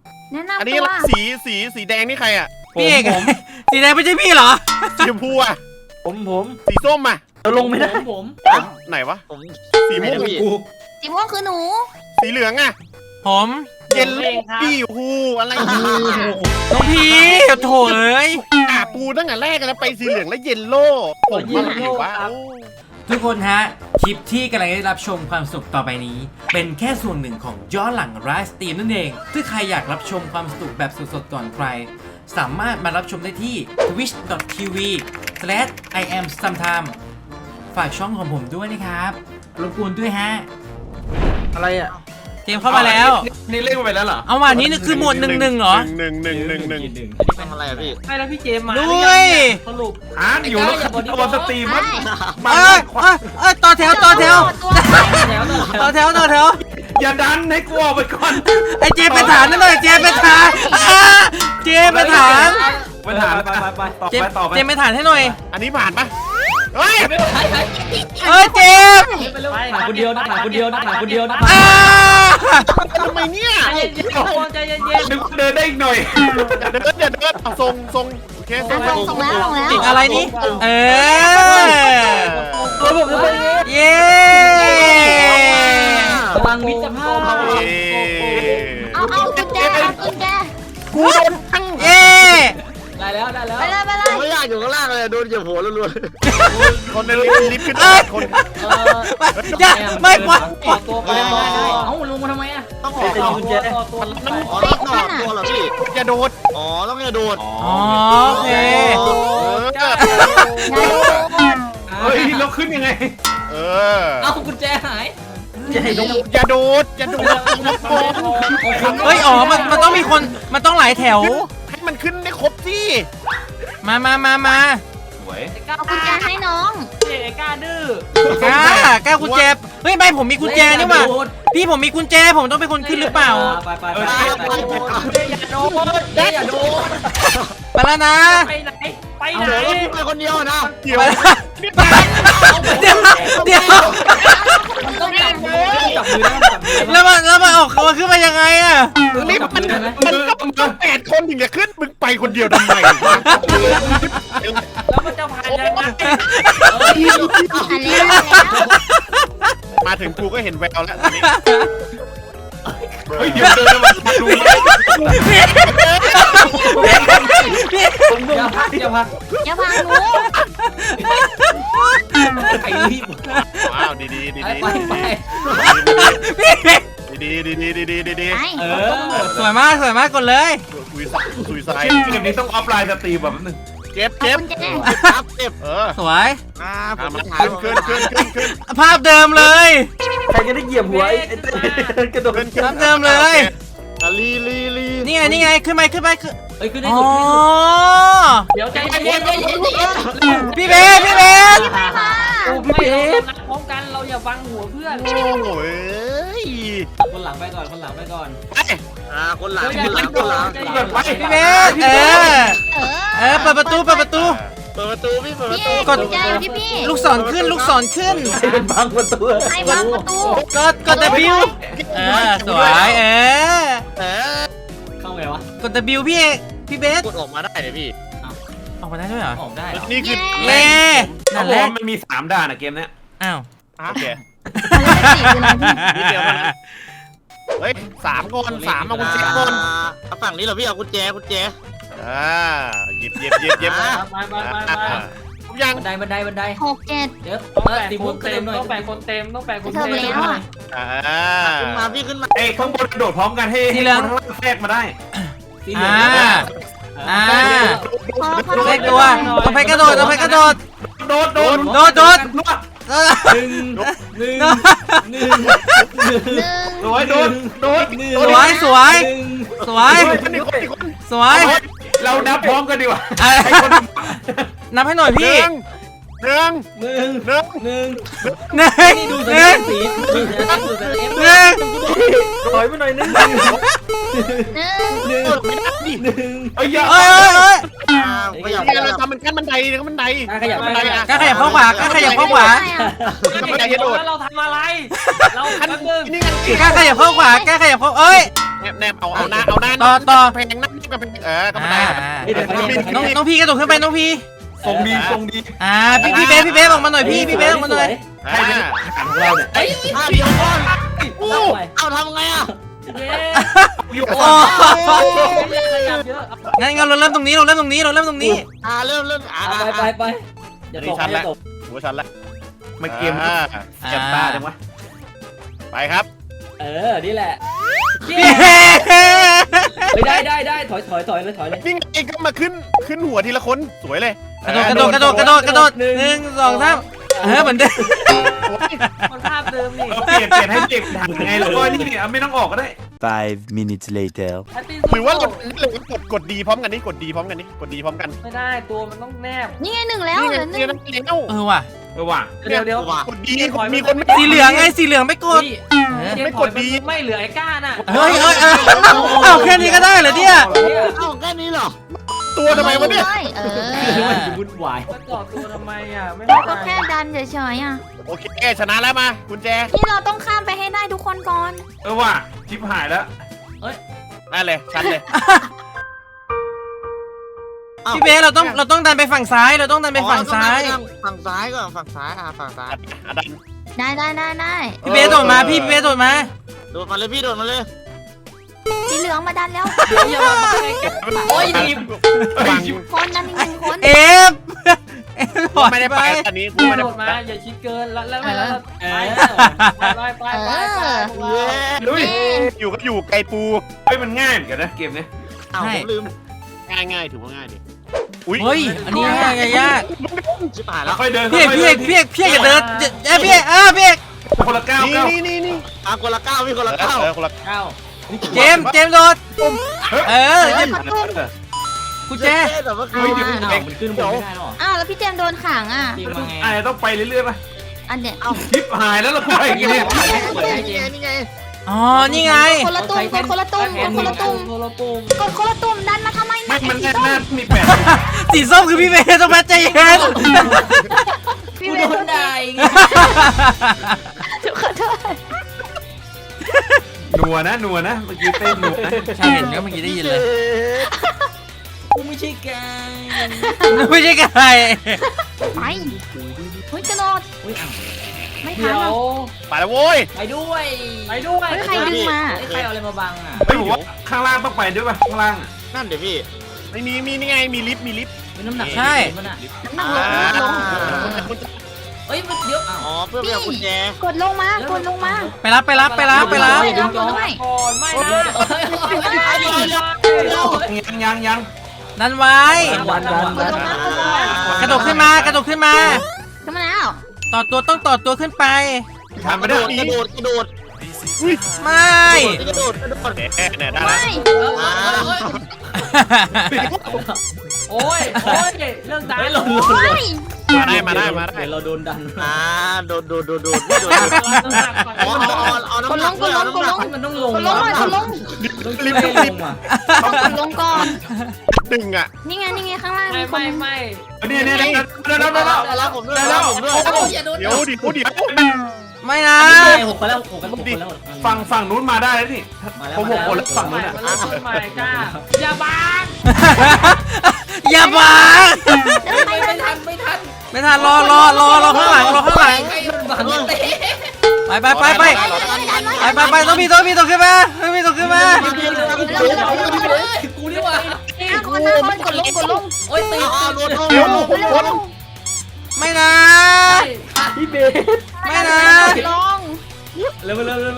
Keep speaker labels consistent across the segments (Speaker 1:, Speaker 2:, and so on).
Speaker 1: แนะนำ
Speaker 2: อันนี้
Speaker 1: ตัว
Speaker 2: สีแดงนี่ใครอ่ะ
Speaker 3: พี่เอกสีแดงไม่ใช่พี่เหรอ
Speaker 2: สีชมพูอ่ะ
Speaker 4: ผม
Speaker 2: สีส้มอ่ะ
Speaker 4: เราลงไม่ได้
Speaker 2: ไหนวะ
Speaker 4: ผม
Speaker 2: สีม่วง
Speaker 4: กู
Speaker 1: สีม่วงคือหนู
Speaker 2: สีเหลืองอ่ะ
Speaker 3: ผม
Speaker 2: เย็นปี้ฮูอะไรเนี่ย
Speaker 3: น้องพี่โถเอ้ย
Speaker 2: ปูตั้งแต่แรกแล้วไปสีเหลืองแล้วเยลโล่ผมอะไรอยู่วะ
Speaker 3: ทุกคนฮะ คลิปที่กำลังได้รับชมความสนุกต่อไปนี้ เป็นแค่ส่วนหนึ่งของย้อนหลังไลฟ์สตรีมนั่นเองถ้าใครอยากรับชมความสนุกแบบสดๆก่อนใคร สามารถมารับชมได้ที่ twitch.tv/iamsometime ฝากช่องของผมด้วยนะครับรบกวนด้วยฮะ
Speaker 4: อะไรอ่ะ
Speaker 3: เกมเข้ามาแล้ว
Speaker 4: นี่เล่นไปแล้วเหรอ
Speaker 3: เอาว่ะนี่คือหมวดหนึ่งเหรอ
Speaker 2: หนึ่ง
Speaker 4: อันนี้เป็นอะไรอ่ะพี่
Speaker 5: ใช่แล้วพี่เจมมา
Speaker 3: ด้วย
Speaker 5: สรุป
Speaker 4: อยู่แล้วตัวสตรีมมัน
Speaker 3: ต่อแถวต่อแถว
Speaker 1: ตัว
Speaker 3: ต่อแถวต่อแถว
Speaker 4: อย่าดันให้กูออกไปก่อน
Speaker 3: ไอเจไปฐานนั่นหน่อยเจไปฐานเจไปฐาน
Speaker 4: ไปถามไปต่อไป
Speaker 3: เจไปฐานให้หน่อย
Speaker 2: อันนี้ผ่านปะเฮ้ย
Speaker 3: เอ้ยเจม
Speaker 5: ไปหาคนเดียวนะหาคนเดียวนะหาคนเดียวนะ
Speaker 2: ทำไมเนี่ย
Speaker 5: ใจเย็นๆทุกคนใจเย็น
Speaker 4: นึกเดินได้อีกหน่อย
Speaker 2: อย่าเดินเอาทรงโอเคทรง
Speaker 1: ส่งแล้วส่งแล้ว
Speaker 3: ติดอะไรนี่เออ
Speaker 5: ๆตัวผมจะเป็นอย่างนี้
Speaker 3: เย้
Speaker 5: พลังมิตรภาพ
Speaker 1: เอากุญแจเอากุญแจ
Speaker 2: กูโดนทั้ง
Speaker 3: เย้
Speaker 5: ได้แล้วได้แล้ว
Speaker 1: ไปเลยไปเลย
Speaker 4: ไม่อยากอยู่ข้างล่างเลยโดนเหยียบหัวรัว
Speaker 2: คนในลิฟต์ขึ้นคน
Speaker 3: อย่าไม่ปล่อย
Speaker 5: ต่อตัวไปได้เอ้าลงมาทำไมอ่ะ
Speaker 4: ต้องออกต่อตัว
Speaker 5: ต่อตัว
Speaker 4: อ๋อต้องออกตัวเหรอพี่
Speaker 2: อย่าโดด
Speaker 4: อ๋อต้องอย่าโดด
Speaker 3: อ๋อโอเค
Speaker 4: เฮ้ยเราขึ้นยังไง
Speaker 2: เออ
Speaker 5: เอ้ากุญแจหาย
Speaker 2: อย่าโดดโกง
Speaker 3: เฮ้ยอ๋อมันต้องมีคนมันต้องหลายแถว
Speaker 2: ให้มันขึ้นได้ครบสิ
Speaker 3: มา
Speaker 4: สวย
Speaker 1: เอากุญแจให้น้อง
Speaker 5: เจ๊กล้าดื้อก
Speaker 3: ล้ากุญแจเฮ้ยไม่ผมมีกุญแจนี่หว่าพี่ผมมีกุญแจผมต้องเป็นคนขึ้นหรือเปล่า
Speaker 5: ไปอย่าโดนอย่าโดน
Speaker 3: ไปแล้วนะ
Speaker 5: ไปไหนไปไหน
Speaker 4: เดี๋ยวพี่ไปคนเดียวนะ
Speaker 2: เดี๋ยว
Speaker 3: เดี๋ยว
Speaker 5: มันต้องจับมือจับมือได้จับมือ
Speaker 3: แล้วมันออกมาขึ้นมายังไงอะ
Speaker 2: นี่มันต้อง8 คนถึงจะขึ้นมึงไปคนเดียวทำไม
Speaker 5: แล้วมันจะผ่านยังไง
Speaker 1: อันนี้แล้ว
Speaker 2: มาถึงกูก็เห็นแววแล้วตอนนี้
Speaker 4: เฮ้ยเดี๋ยวเดินมาดู
Speaker 5: อย่าพักอย่าพัก
Speaker 1: อย่าพังหนู
Speaker 5: ไอ้รีบ
Speaker 2: ว้าวดี
Speaker 5: ไป
Speaker 2: ดี
Speaker 1: ไป
Speaker 3: สวยมากกดเลย
Speaker 2: ซุยไซ
Speaker 4: เกมนี้ต้องออฟไลน์สตรีมแบบนึง
Speaker 2: เจ็บ
Speaker 1: เอากุญแจ
Speaker 4: ครับเจ็บ
Speaker 3: สวย
Speaker 4: ผมถาม
Speaker 2: ขึ้น
Speaker 3: ภาพเดิมเลย
Speaker 4: ใครจะได้เหยียบหัวไอ้กระโดด
Speaker 3: ภาพเดิมเลย
Speaker 4: ลี
Speaker 3: นี่ไงขึ้นไปขึ้น
Speaker 5: เอ้ยขึ้นได้
Speaker 3: อ๋อ
Speaker 5: สุดเดี๋ยวใจเย็น
Speaker 3: พี่เบส
Speaker 1: ไม่มา
Speaker 5: ไม่เรานัดพร้อมกันเราอย่าฟังหัวเพื่อน
Speaker 2: โอ้ย
Speaker 5: คนหลังไปก่อนคนหลังไปก่อน
Speaker 4: คนหลัง
Speaker 3: พี่เบส เปิดประตู
Speaker 4: เปิดประตูพี่เปิดประตู
Speaker 1: กดกุญแจอยู่ที่พี่
Speaker 3: ลูกศรขึ้น
Speaker 4: เป็นบางประตู
Speaker 1: ไอ้วางประตู
Speaker 3: กด W สวย
Speaker 5: เข้าไงวะ
Speaker 3: กด W พี่เบส
Speaker 4: กดออกมาได้เลยพี่
Speaker 3: ออกมาได้ด้วยเหรอ
Speaker 5: ออกได้เหรอ
Speaker 2: นี่คือ
Speaker 3: เล่นั่นแหละ
Speaker 4: มันมี3ด่านอะเกมเนี้ย
Speaker 3: อ้าว
Speaker 2: โอเค
Speaker 1: อะไรสิคืออะไรพี่
Speaker 2: นิดเดียวเท่านั้นเฮ้ย3 คน3มาคุณเช็คคน
Speaker 4: ฝั่งนี้เหรอพี่เอากุญแจ
Speaker 2: หยิบ
Speaker 5: ไป
Speaker 2: ทุกอย่าง
Speaker 5: บันได
Speaker 1: 6 7
Speaker 5: เดี๋ยว
Speaker 6: 4 คนเต็มต้องแบ่งคนเต็มต้องแบ่งคน
Speaker 1: เธอ
Speaker 6: เต็ม
Speaker 1: ไปแล้วอ่ะ
Speaker 4: ขึ้นมาพี่ขึ้นมาเอ้ข้างบนโดดพร้อมกันให้คนข้างล่างแทรกมาได้
Speaker 5: สีเหลือง
Speaker 3: เลขตัวต้องไปกระโดด
Speaker 4: โดด
Speaker 3: โดด
Speaker 4: ลวด
Speaker 5: หนึ่ง
Speaker 4: สวยโดด
Speaker 3: สวย
Speaker 4: เรานับพร้อมกันดีกว่า
Speaker 3: นับให้หน่อยพี่
Speaker 2: หนึ่ง
Speaker 5: นี่ดูสัญญาณสีดูสัญญาณดูสัญญาณ
Speaker 4: ถอยมาหน่อยนึง เอ้ย
Speaker 2: ไม่อยากเราทำมันขั้นบันไดนะบันได
Speaker 5: ขยับ
Speaker 2: บันไดอ่ะ
Speaker 3: กล้าขยับเข้าขวากล้าขยับเข้าขวา
Speaker 6: แล้วเราทำอะไรเราแป๊บนึง
Speaker 2: นี่ไง
Speaker 3: กล้าขยับเข้าขวากล้าขยับเข้าเอ้ย
Speaker 2: แนบเอาหน้า
Speaker 3: ต่อ
Speaker 2: เพลงนั่งกับเพลงก็มาได้
Speaker 3: น้องพี่กระโดดขึ้นไปน้องพี่
Speaker 4: ทรงดีทรงดี
Speaker 3: พี่เบสออกมาหน่อยพี่เบสออกมาหน่อย
Speaker 4: ให้เป็นอาหารของเราเนี่ย
Speaker 5: เดี๋ยวก่อน
Speaker 1: เอาทำไงอ่ะ
Speaker 6: เย้
Speaker 4: อยู่
Speaker 3: โอ้
Speaker 6: ขยับเยอะ
Speaker 3: งั้นเราเริ่มตรงนี้
Speaker 1: เริ่ม
Speaker 5: ไปอย่าตกอย่าตก
Speaker 2: หัวฉันละ
Speaker 4: มันเกมเจ็บตาจังวะ
Speaker 2: ไปครับ
Speaker 5: นี่แหละ
Speaker 3: พี่
Speaker 5: ได้ถอยเลย
Speaker 2: นี่ไงก็มาขึ้นหัวทีละคนสวยเลย
Speaker 3: กระโดด1 2 3เหมือนเดิม
Speaker 6: มันภาพเดิมนี่
Speaker 4: เปลี่ยนให้เด็กดังไงแล้วก็นี่ไม่ต้องออกก็ได้
Speaker 7: 5 minutes later
Speaker 2: หรือว่าเรากดดีพร้อมกันนี่กดดีพร้อมกัน
Speaker 6: ไม่ได้ตัวมันต้องแนบ
Speaker 1: นี่ไง1แล้ว
Speaker 2: นี่
Speaker 1: เห
Speaker 2: ไง
Speaker 1: ลือ
Speaker 2: เลี้ยว
Speaker 3: ว่ะ
Speaker 4: ว่ะ
Speaker 6: เดี๋ยว
Speaker 2: กดดีมีคน
Speaker 3: สีเหลืองไงสีเหลืองไม่กด
Speaker 2: ไม่กดดี
Speaker 6: ไม่เหลือไอ้ก้าน่ะ
Speaker 3: เฮ้ยเอาแค่นี้ก็ได้เหรอเนี่ย
Speaker 1: เอาแค่นี้เหรอ
Speaker 2: ตัวทำไมวะเนี่ย
Speaker 5: วุ่นวาย
Speaker 6: มันต่อตัวทำไมอ่ะไม่
Speaker 1: เรา
Speaker 6: เข้า
Speaker 1: ก็
Speaker 6: ใจ
Speaker 1: แค่ดันเฉยๆอ่ะ
Speaker 2: โอเคชนะแล้วมากุญแจ
Speaker 1: นี่เราต้องข้ามไปให้ได้ทุกคนก่อน
Speaker 4: ว่ะทิพหายแล้ว
Speaker 2: นั่นเลยชัดเลย
Speaker 3: พี่เบสเราต้องดันไปฝั่งซ้ายเราต้องดันไปฝั่งซ้าย
Speaker 8: ฝั่งซ้ายก่อนฝั่งซ้ายฝั่งซ้าย
Speaker 2: ดัน
Speaker 1: ได้
Speaker 3: พี่เบสโดดมาพี่เบสโดดมา
Speaker 8: โดดมาเลยพี่โดดมาเลย
Speaker 1: สีเหลืองมาดันแล้ว
Speaker 6: เดี๋ยวอย่ามาให้แก
Speaker 5: โอ้ยดิบ
Speaker 1: คนดันอีก1คน
Speaker 3: เอฟ
Speaker 2: ไม่ได้ไปอันนี้
Speaker 6: โด
Speaker 2: ไม่ได้
Speaker 6: ดมาอย่าชิดเกินแล้วไปไป
Speaker 2: ลุยอยู่ก็อยู่ไกลปู
Speaker 4: มันง่ายเหมือนกันนะเกมนี้
Speaker 8: อ้าวผมลืม
Speaker 2: ง่ายถือว่าง่ายดิ
Speaker 3: เฮ้ยอันนี้ยาก
Speaker 8: ชิบหายแล้ว
Speaker 4: ค่อยเดิน
Speaker 3: พี่อย่าเดินพี่
Speaker 4: คนละก้าว
Speaker 2: นี่
Speaker 8: คนละก้าวพี่คนละก้าว
Speaker 2: คนละ
Speaker 3: เจมส์โดดกูแจ
Speaker 8: แต่ว่าคือ
Speaker 5: มันขึ้นบนไม่ได้หรอ
Speaker 1: อ้าวแล้วพี่เจมส์โดนขังอ่ะ
Speaker 5: ตีมาไง
Speaker 4: อะไรต้องไปเรื่อยๆป่ะ
Speaker 1: อันเนี้ย
Speaker 4: ทิพหายแล้วเราไปอย่างเงี้ย
Speaker 8: นี่ไง
Speaker 3: อ๋อนี่ไง
Speaker 1: คนละตุ้มกดคนละตุ้มดันมาทำไม
Speaker 4: ไม่มันแน่นมีแปด
Speaker 3: สีส้มคือพี่เบสต้องมาใจเย็น
Speaker 1: พี่
Speaker 5: กู
Speaker 1: เบ
Speaker 5: โด
Speaker 1: ส
Speaker 5: นได้
Speaker 1: ขอโทษ
Speaker 4: นัวนะเมื่อกี้เต้นนัวนะ
Speaker 3: ใช่เห็นก็เมื่อกี้ได้ยินเลย
Speaker 5: กูไม่ใช่แก
Speaker 3: ไม่ใช่ไก่
Speaker 1: ไปเฮ้ยกระโดด
Speaker 5: อุ้ยอ้าว
Speaker 1: ไม่ทั
Speaker 6: เดี๋
Speaker 1: น
Speaker 6: ยว
Speaker 2: ไปแล้วโว้ย
Speaker 5: ไปด้วย
Speaker 1: ใครดึงมา
Speaker 5: ใครเอาอะไรมาบังอ่ะ
Speaker 4: ไม่บอกว่าข้างล่างต้องไปด้วยป่ะข้างล่าง
Speaker 8: นั่นเดี๋ยวพี่
Speaker 2: ไม่มีนี่ไงมีลิฟต์
Speaker 5: เป็นน้ำหนักมันอ่ะ
Speaker 1: น้ำหนักลง
Speaker 5: เอ้ยเดี๋ยว
Speaker 8: อ๋อเพื่อไปเอากุญแจ
Speaker 1: กดลงมา
Speaker 3: ไปรับ
Speaker 1: ไปรับด้วย
Speaker 6: ก่อนไม่นะ
Speaker 4: ยัง
Speaker 3: นั่นไว้ กระโดดขึ้นมากระโดดขึ้นมา
Speaker 1: ขึ้นมาแล้ว
Speaker 3: ต่อตัวต้องต่อตัวขึ้นไป
Speaker 4: ทำไม่ได้
Speaker 8: กระโดด
Speaker 3: ไม่
Speaker 8: กระโดด
Speaker 2: เนี่ยได้
Speaker 1: ไม่
Speaker 6: โอ้ยเรื่องตาย
Speaker 5: ไม่หล่น
Speaker 2: มาได้
Speaker 5: เราโดนดัน
Speaker 8: โดดไม่โดดเอาน้ำหนักด้วยเอาน้ำหนัก
Speaker 5: มันต้องลง
Speaker 1: กดลงก่อน
Speaker 5: ลงอ่ะ
Speaker 1: กดลงก่อน
Speaker 2: ดึงอ่ะ
Speaker 1: นี่ไงข้างล่าง
Speaker 6: ไม่
Speaker 4: เนี่ยเดินแล้ว
Speaker 8: แล้วผมด้วยแล้วผมด้วย
Speaker 5: อย่าโดน
Speaker 2: เดี๋ยว
Speaker 3: ไม่นะ
Speaker 5: หกไปแล้ว6 คนแล้ว
Speaker 4: ฝั่งนู้นมาได้แล้วนี่ผม6 คนแล้วฝั่งนู้นอ่ะ
Speaker 6: ไม่กล้าอย่าบัง
Speaker 3: อย่าบัง
Speaker 5: ไม่ทัน
Speaker 3: ไม่ทันรอข้างหลัง
Speaker 5: ใครมันบังเตะ
Speaker 3: ไปต้องพี่ตัวขึ้นมา
Speaker 5: กูนี่ว่ะ
Speaker 1: คนกดลง
Speaker 5: โอ้ยตี
Speaker 8: โดด
Speaker 3: ไม่นะ
Speaker 5: พี่เบส
Speaker 3: ไม่นะ
Speaker 1: ลง
Speaker 5: เร็ว
Speaker 3: ไม่นะ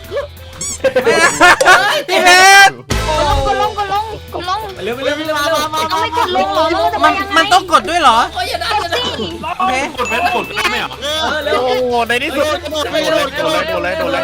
Speaker 3: พี่เบส
Speaker 1: กดลง
Speaker 5: เร็ว
Speaker 1: เอาไม่กดลงเหรอ
Speaker 3: มันต้องกดด้วยเหรอ
Speaker 5: โอ้ยอย่าดัน
Speaker 3: โอเค
Speaker 4: กดไม่เหรอ
Speaker 5: เร็ว
Speaker 2: โอ้โหในที่สุดโดนเลย
Speaker 1: โดด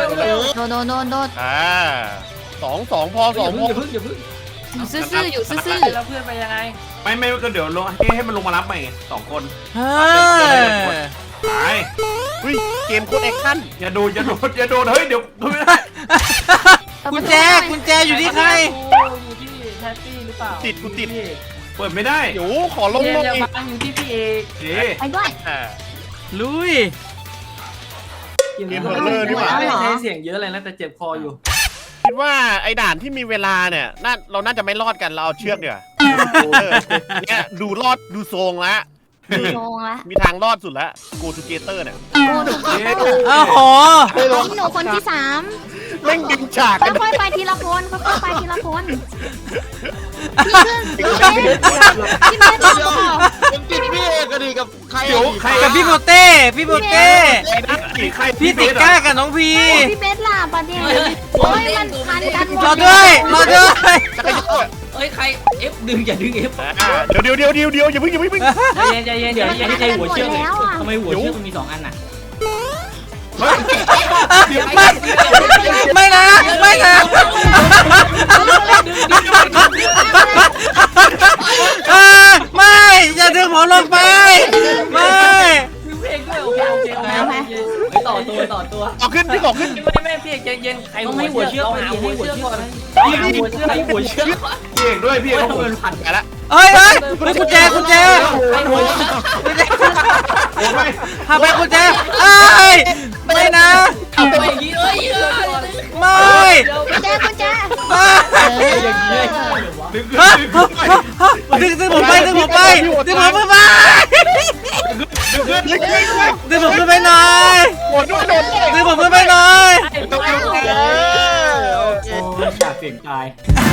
Speaker 2: 2 พอ
Speaker 5: อย่าพึ่ง
Speaker 1: อยู่ซื่ออยู่ซื่อ
Speaker 6: แล้วเพื่อนไปยังไง
Speaker 4: ไม่ก็เดี๋ยวลงให้มันลงมารับใหม่2 คน
Speaker 3: เฮ้ย
Speaker 4: ไป
Speaker 2: เกมโคตรแอคชั่น
Speaker 4: อย่าโดนเฮ้ยเดี๋ยวไม่ได้
Speaker 3: กุญแจอยู่ที่ใคร
Speaker 6: อยู่ที่แทตตี้หรือเปล่า
Speaker 2: ติด
Speaker 4: เปิดไม่ได้
Speaker 2: เดี๋ยวขอลง
Speaker 6: อย่า
Speaker 2: อีก
Speaker 6: บังอยู่ที่พี่เอก
Speaker 4: เจ๊
Speaker 1: ไปด้วย
Speaker 3: ลุย
Speaker 6: ไม่ใช้เสียงเยอะเลยนะแต่เจ็บคออยู่
Speaker 2: คิดว่าไอ้ด่านที่มีเวลาเนี่ยเราน่าจะไม่รอดกันเราเอาเชือกเดี๋ยวาเนี่ยดูรอดดูทรงแล้ว
Speaker 1: ดูโงละ
Speaker 2: มีทางรอดสุดแล้ว Go Together เนี่ย
Speaker 1: กูดู
Speaker 3: โอ้โห
Speaker 1: หนูคนที่3
Speaker 2: แม่งดึงฉากกัน
Speaker 1: ค่อยๆไปทีละคนค่อยๆไปทีละคนพี่เบสรอก่อน
Speaker 8: ผมติดพี่เอกก็ดีกับใคร
Speaker 4: เดี๋ยวใคร
Speaker 3: กับพี่โปเต้พี่โปเต้
Speaker 4: ใคร
Speaker 3: พี่ติก้ากับน้องพี
Speaker 1: พี่เบสล่ะประเดี๋ยวโอ้ยมันพันกันหมด
Speaker 3: รอด้วยรอด้วย
Speaker 5: เอ้ยใครเอฟดึงอย่าดึงเอฟ
Speaker 2: เดี๋ยวอย่าเพิ่ง
Speaker 6: ใจเย็นเดี๋ยวยังใจหัวเชือกเลยทำไมหัวเชือกมันมี2 อันน่ะ
Speaker 3: ไม่นะไม่นะไม่อย่าดึงผมลงไปไม่
Speaker 6: พี่เพลงด้วยโอเคไปต่อตัว
Speaker 2: ต่อขึ้นพี่บอกขึ้น
Speaker 6: ไม่พี่ใจเย็นใครหัวเชือกไปหัวเชือกก่อนใครหัวเชือก
Speaker 4: พี่เอกด้วยพี่เอก
Speaker 6: ต้องเป็นพัน
Speaker 2: ไปละ
Speaker 3: เฮ้ยกุญแจ
Speaker 6: ใครหัวเชือก
Speaker 3: พาไปกุญแจเอ้ยไม่นะ
Speaker 5: เอาไปอย่างนี้เอ้ย
Speaker 3: ไม่
Speaker 1: กุญแจ
Speaker 6: อย่างนี้
Speaker 3: ดึงผมไปดึงผมไปดึงผมไปดึงผมขึ้นไปหน่อย
Speaker 2: โดดด้วย
Speaker 3: ดึงผมขึ้นไปหน่อย
Speaker 6: อยากเสียงตาย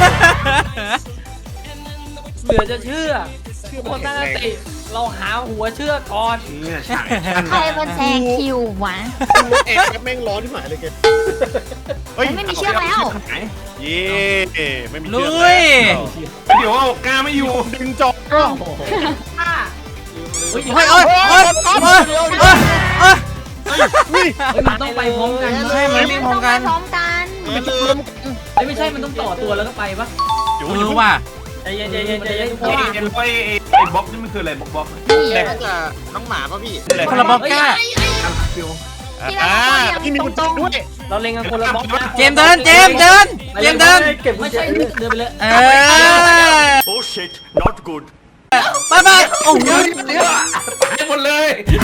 Speaker 6: เหลือจะเชื่อคนตั้งสติเราหาหัวเชือกก่อน
Speaker 4: เนี่ยฉาก
Speaker 1: ใครเป็นแซงคิววะ
Speaker 2: เอกแม่งร้อนที่หมายเลยแก
Speaker 1: ไม่มีเชือกแล้ว
Speaker 2: เย่ไม่มี
Speaker 3: ลุ
Speaker 2: เชือก
Speaker 3: ย
Speaker 4: เดี๋ยวเอากล้าไม่อยู่
Speaker 2: ดึงจบ
Speaker 3: โอ้ยโอ้ยโอ้ยโอ้ยโอ้ย
Speaker 6: มันต้องไปพร้อมกัน
Speaker 3: ใช่มันวิ่งพร้อมกัน
Speaker 1: พร้อมกัน
Speaker 6: ไม่ใช่มันต้องต่อตัวแล้วก็ไปปะ
Speaker 2: เดี๋ยว
Speaker 3: ว่ะ
Speaker 6: ใจเย็นเพ
Speaker 4: ไอ้
Speaker 6: ราะว่า
Speaker 4: ไอ้บล็อกนี่มันคืออะไรบล็อก
Speaker 8: นี่น่าจะน้องหมาป่ะพี่
Speaker 3: คนละบล็อกก้า
Speaker 2: ที่มีกุญแจด้วย
Speaker 6: เราเล็งกันคนละบล็อกนะ
Speaker 3: เจมเดินเจมเดิน
Speaker 6: ไม่ใช่เดินไปเลย
Speaker 7: Oh shit, not good.
Speaker 3: ไปโอ้โห
Speaker 4: ตายหมดเลย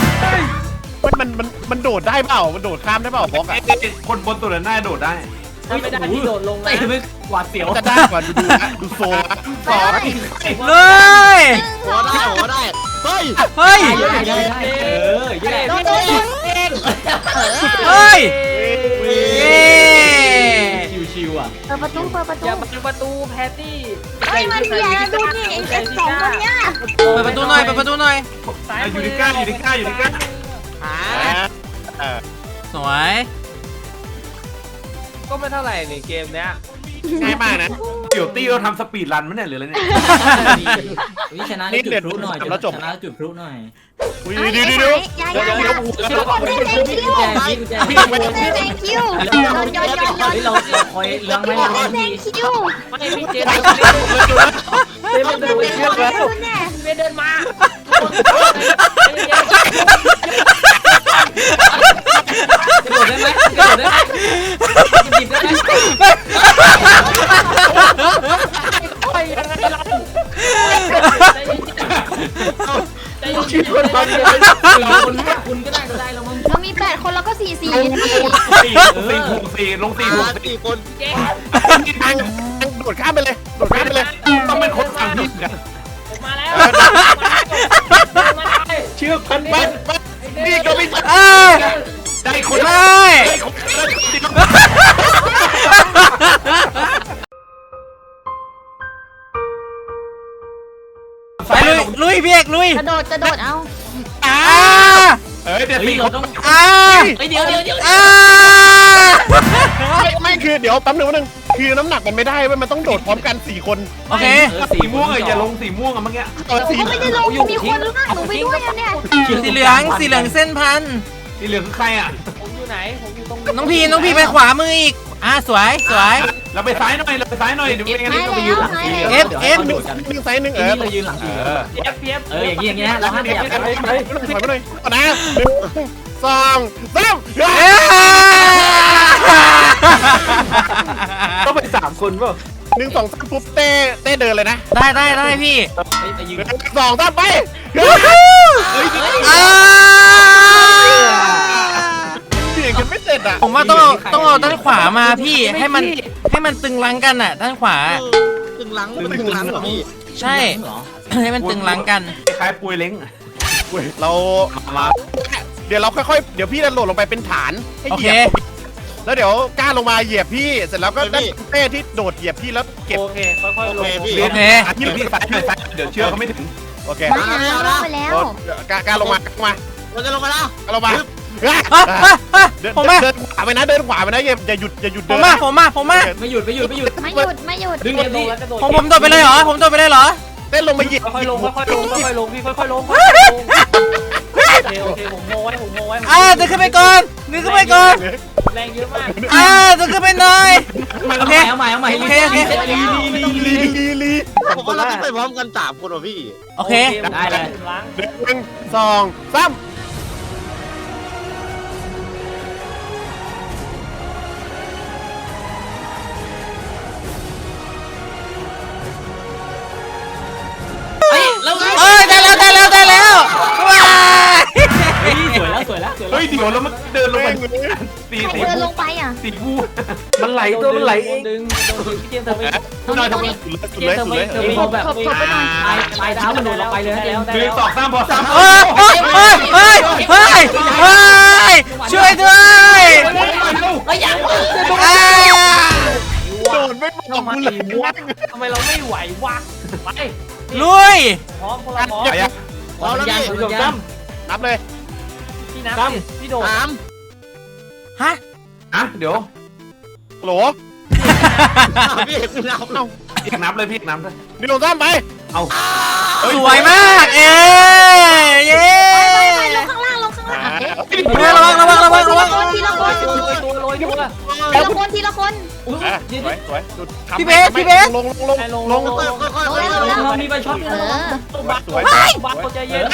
Speaker 2: มันโดดได้เปล่ามันโดดข้ามได้เปล่าบล็อกอะ
Speaker 4: คนบนตัวหน้าโดดได้
Speaker 6: ไม่ได้ที่โดดลง
Speaker 5: เตะไม่
Speaker 6: หวาดเสียว
Speaker 2: จะได้กว่าดูนะดูโซ่สอง
Speaker 3: เลย
Speaker 8: หัวได้เฮ้ย
Speaker 3: เฮ้ย
Speaker 6: ได้
Speaker 1: โดน
Speaker 3: เฮ้ย
Speaker 6: ชิวอ่ะ
Speaker 1: เปิดประตู
Speaker 6: อย่าประตูแพตตี้
Speaker 1: เฮ้ยมันมีอะไรดูนี่ไอ้สองตัวเนี้ย
Speaker 3: เปิดประตูหน่อยเปิดประตูหน่อย
Speaker 4: อยู่ในก้าอยู่ในก้าอยู่ในก้า
Speaker 3: สวย
Speaker 6: ก็ไม่เท่าไหร่นี่เกมเนี้ย
Speaker 2: ง่ายมากนะ
Speaker 4: เดี๋ยวตี้เราทำสปีดรันมั้ยเนี่ยหรืออะไรเนี่ย
Speaker 5: วิชนะจุดพลุหน่อยชนะจุดพลุหน่อย
Speaker 2: เดี๋ยว
Speaker 1: อย่าคนได้แซงคิว
Speaker 5: กุญแจ
Speaker 1: แซงคิวย้อน
Speaker 5: เราคอยเลี้ยงไม่
Speaker 1: แซ
Speaker 5: เรา
Speaker 1: งคิว
Speaker 6: ไม่มีเจม
Speaker 1: มันเป็นคุณแน่
Speaker 6: เดินมา
Speaker 5: กระโดดได้ไหมกระโดดได้ไหมหยิบได้ไหม
Speaker 6: ไปยังไงเราใจเย็น
Speaker 5: คุณก็ได้แล้วมึง
Speaker 1: เรามี8คนแล้วก็4
Speaker 4: ลง4
Speaker 8: 4 คน
Speaker 2: ทางโดดข้ามไปเลยโดดข้ามไปเลย
Speaker 4: ต้องเป็นคนฝั่งพี่กัน
Speaker 6: มาแล้ว
Speaker 4: เชื่อพันบ้านนี่ก็ไม่
Speaker 3: เอ้ย
Speaker 4: ได้คน
Speaker 3: ไม่ ไปลุยพี่เอกลุย
Speaker 1: กระโดดเอา
Speaker 4: เดี๋ยวตี
Speaker 5: เราต้อง เดี๋ยว
Speaker 2: ไม่คือเดี๋ยวแป๊บนึงคือน้ำหนักมันไม่ได้มันต้องโดดพร้อมกัน4 คน
Speaker 3: โอเค
Speaker 4: สีม่วงอย่าลงสีม่วงอะเมื่อกี้
Speaker 2: สี
Speaker 1: ไม่ได้ลงมีคนลากหนูไปด้วยเนี่ย
Speaker 3: สีเหลืองเส้นพัน
Speaker 4: สีเหลืองคือใครอ่ะ
Speaker 6: ผมอยู่ไหนผมอยู่ตรง
Speaker 3: น้องพีไปขวามืออีกสวย
Speaker 4: เราไปซ้ายหน่อยเดี๋ยวไม่งั้นเราไปยืนหลังสี
Speaker 2: 1 ไซส์ 1
Speaker 5: นี่เรายืนหลัง
Speaker 6: เฟียบ
Speaker 5: อย่างเงี้ยเราห้ามขยับ
Speaker 2: ถอยไปเลยก่อนนะ1 2 3
Speaker 4: ต้องไป3 คนป่ะ
Speaker 2: 1 2 3ปุ๊บเต้เดินเลยนะ
Speaker 3: ได้พี่
Speaker 5: ไปยืน
Speaker 2: 1 2 3ไปเสียงกันไม่เสร็จอ่ะ
Speaker 3: ผมว่าต้องเอาด้านขวามาพี่ให้มันให้มันตึงลังกันอ่ะด้านขวา
Speaker 8: ตึงหลังมันตึงหลังเหรอพี่
Speaker 3: ใช่ ให้มันตึงลังกัน
Speaker 4: คล้ายปุยเล้ง
Speaker 2: เรา
Speaker 4: มา
Speaker 2: เดี๋ยวเราค่อยๆเดี๋ยวพี่จะโดดลงไปเป็นฐานให้
Speaker 3: โอ
Speaker 2: เห
Speaker 3: เค
Speaker 2: ยียบแล้วเดี๋ยวกล้าลงมาเหยียบพี่เสร็จแล้วก็ได้เต้ที่โดดเหยียบพี่แล้วเก็บ
Speaker 6: โอเคค่อยๆลง
Speaker 8: พี่
Speaker 3: โอเค
Speaker 4: เดี๋ยวพี่ซ้ายหน่อยซ้ายเดี๋ยวเชือกเขาไม่ถึง
Speaker 2: โอเค
Speaker 1: มาแล้วลงไปแล้ว
Speaker 2: กล้าลงมา
Speaker 8: เราจะลงมาแล้ว
Speaker 2: กล้าลงมา เดิน
Speaker 3: ผมมา
Speaker 2: เดินขวาไปนะเดินขวาไปนะอย่าหยุด
Speaker 3: ผ
Speaker 2: เดิ
Speaker 3: ม
Speaker 2: น
Speaker 3: มา
Speaker 2: นะ
Speaker 3: ผมมาผมมา
Speaker 5: ไม่หยุด
Speaker 1: ไม่หยุดไม่หยุด
Speaker 5: ดึง
Speaker 6: เก็
Speaker 5: เต็
Speaker 6: บ
Speaker 5: ม
Speaker 6: ลง
Speaker 5: ที่
Speaker 6: แล้วกระโดด
Speaker 3: ผมโดดไปเลยเหรอผมโดดไปเลยเหรอ
Speaker 2: เต้นลงมาเหยียบ
Speaker 6: ค่อยๆลงค่อยๆลงค่อยๆลงพี่ค่อยๆลงโอเคผมโง่ไว้
Speaker 3: เดินขึ้นไปก่อนเดินขึ้นไปก่อน
Speaker 6: แรงเยอะมาก
Speaker 3: เดินขึ้นไปหน่อยโอเค
Speaker 5: เอาใหม่
Speaker 3: โอเคโอเค
Speaker 2: ลี
Speaker 8: ผมว่าเราต้องไปพร้อมกัน3 คนว่ะพี่
Speaker 3: โอเค
Speaker 5: ได้เลย
Speaker 6: ล้าง
Speaker 2: 1 2 3
Speaker 5: เฮ้ยแล้ว
Speaker 3: เอ้ยได้แล้วว้าย
Speaker 5: สวยแล้ว
Speaker 4: เฮ้ยเดี๋ยวแล้วมันเดินลงไปตี
Speaker 1: ใครเดินลงไปอ่ะ
Speaker 4: ตีบู
Speaker 6: มันไหลตัวมันไหลเองดึงพี่เจมส์เธอไป
Speaker 1: ตรงนี้ตรงนี้
Speaker 2: สุดเลยสุดเลย
Speaker 6: เธอไปแบบปลายเท้ามันโดนลงไปเลยแล้ว
Speaker 4: หนึ่งสองสามพอสาม
Speaker 3: เฮ้ยช่วยด้วย
Speaker 5: เฮ้ยยัง
Speaker 2: โดนไม่บอก
Speaker 6: ทำไม
Speaker 2: กูเลยว
Speaker 6: ะทำไมเราไม่ไหววะไป
Speaker 3: ลุย
Speaker 6: พร้อมพวกเราพร้อม
Speaker 8: เอาแล้วพี่
Speaker 6: พี่โดดจ้
Speaker 2: นับเลย
Speaker 6: ำพี่นับพี่โดด
Speaker 3: ฮะ
Speaker 4: อ่ะเดี๋ยว
Speaker 2: โหล
Speaker 8: พี่คุณเอา
Speaker 4: พี่นับเลยพี่นับเลย
Speaker 2: นี่ลงซ้ำไป
Speaker 4: เอา
Speaker 3: สวยมากเย้
Speaker 1: ไปลงข้างล่างเอ๊ะ
Speaker 3: ระวัง
Speaker 1: ทีละคน
Speaker 6: ตัวลอยตัว
Speaker 1: ทีละคน
Speaker 2: สวย
Speaker 3: พี่เบส
Speaker 2: ลง
Speaker 8: ค่อย
Speaker 6: เรามีใบช็อต
Speaker 2: สวย
Speaker 6: บักใจเย็น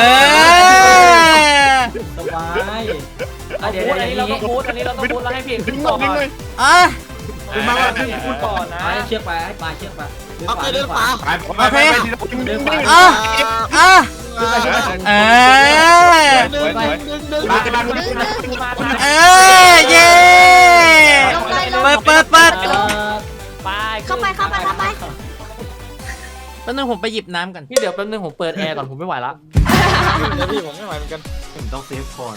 Speaker 6: สบายเดี๋ยวอันนี้เราต้องพูดอันนี้เราต้องพูดแล้วให้พี่
Speaker 2: ดึงห
Speaker 6: ต่
Speaker 2: น่
Speaker 6: อ
Speaker 2: อยดึงหน่อย
Speaker 3: อ่ะ
Speaker 6: คือมาว่าพี่พูดก่อนนะ
Speaker 5: ไปเชือกไปปลายเชือกไป
Speaker 8: โอเคเดินขวา
Speaker 4: ไป
Speaker 3: อ่ะ
Speaker 8: ดึง
Speaker 3: เย้เปิด
Speaker 6: ไป
Speaker 1: เข้าไป
Speaker 3: แป๊บนึงผมไปหยิบน้ำกัน
Speaker 6: พี่เดี๋ยวแป๊บนึงผมเปิดแอร์ก่อนผมไม่ไหวละ
Speaker 8: เดี๋ยวพี่ผมไม่ไหวเหมือนกัน
Speaker 4: ผมต้องเซฟคอน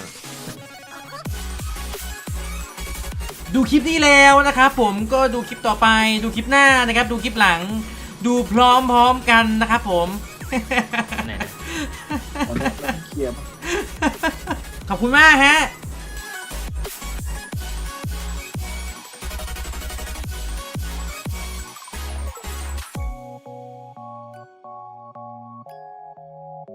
Speaker 3: ดูคลิปนี้แล้วนะครับผมก็ดูคลิปต่อไปดูคลิปหน้านะครับดูคลิปหลังดูพร้อมกันนะครับผม ขอบคุณมากฮะ